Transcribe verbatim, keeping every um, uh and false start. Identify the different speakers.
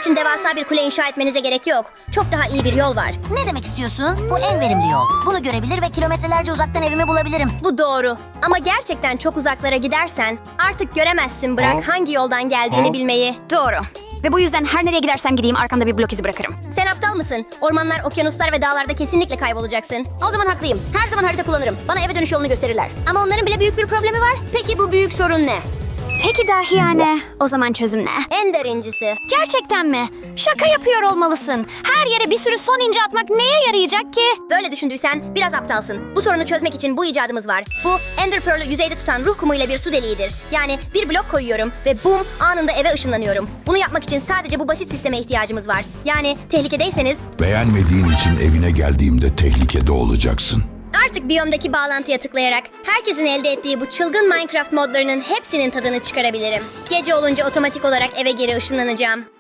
Speaker 1: için devasa bir kule inşa etmenize gerek yok. Çok daha iyi bir yol var.
Speaker 2: Ne demek istiyorsun? Bu en verimli yol. Bunu görebilir ve kilometrelerce uzaktan evimi bulabilirim.
Speaker 1: Bu doğru. Ama gerçekten çok uzaklara gidersen artık göremezsin, bırak hangi yoldan geldiğini bilmeyi.
Speaker 3: Doğru. Ve bu yüzden her nereye gidersem gideyim arkamda bir blok izi bırakırım.
Speaker 1: Sen aptal mısın? Ormanlar, okyanuslar ve dağlarda kesinlikle kaybolacaksın.
Speaker 4: O zaman haklıyım. Her zaman harita kullanırım. Bana eve dönüş yolunu gösterirler.
Speaker 1: Ama onların bile büyük bir problemi var.
Speaker 4: Peki bu büyük sorun ne?
Speaker 3: Peki dahiyane, o zaman çözüm ne?
Speaker 1: En derincisi.
Speaker 3: Gerçekten mi? Şaka yapıyor olmalısın. Her yere bir sürü son ince atmak neye yarayacak ki?
Speaker 1: Böyle düşündüysen biraz aptalsın. Bu sorunu çözmek için bu icadımız var. Bu Ender Pearl'ü yüzeyde tutan ruh kumuyla bir su deliğidir. Yani bir blok koyuyorum ve bum, anında eve ışınlanıyorum. Bunu yapmak için sadece bu basit sisteme ihtiyacımız var. Yani tehlikedeyseniz
Speaker 5: Beğenmediğin için evine geldiğimde tehlikede olacaksın.
Speaker 1: artık biyomdaki bağlantıya tıklayarak herkesin elde ettiği bu çılgın Minecraft modlarının hepsinin tadını çıkarabilirim. Gece olunca otomatik olarak eve geri ışınlanacağım.